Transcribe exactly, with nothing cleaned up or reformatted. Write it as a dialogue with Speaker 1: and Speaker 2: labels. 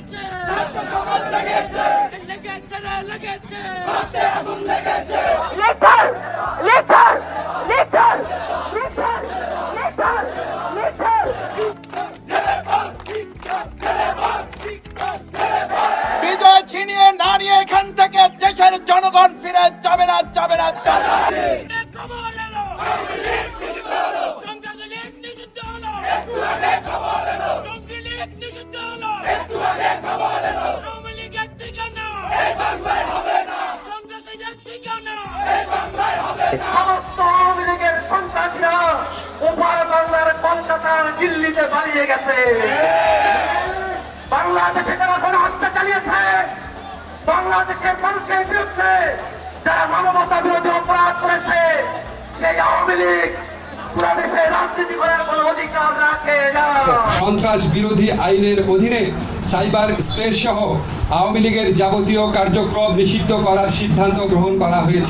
Speaker 1: লেগেছে লেগেছে রে লেগেছে
Speaker 2: litre litre litre litre litre litre
Speaker 3: বিজয় ছিনিয়ে না নিয়ে এখান থেকে দেশের জনগণ ফিরে যাবে না যাবে না যাবে না।
Speaker 1: খবর এলো সন্ত্রাসী লীগ নিষিদ্ধ হলো জঙ্গি লীগ নিষিদ্ধ হলো আওয়ামী লীগের ঠিকানা সন্ত্রাসীদের ঠিকানা
Speaker 4: সমস্ত আওয়ামী লীগের সন্ত্রাসীরা উপার বাংলার কলকাতার দিল্লিতে পালিয়ে গেছে। বাংলাদেশে যারা গণহত্যা চালিয়েছে, বাংলাদেশের মানুষের বিরুদ্ধে যারা মানবতা বিরোধী অপরাধ করেছে, সেই আওয়ামী লীগ পুরা দেশে রাজনীতি করার কোন অধিকার রাখে না।
Speaker 5: সন্ত্রাস বিরোধী আইনের অধীনে সাইবার স্পেস সহ আওয়ামী লীগের যাবতীয় কার্যক্রম নিষিদ্ধ করার সিদ্ধান্ত গ্রহণ করা হয়েছে।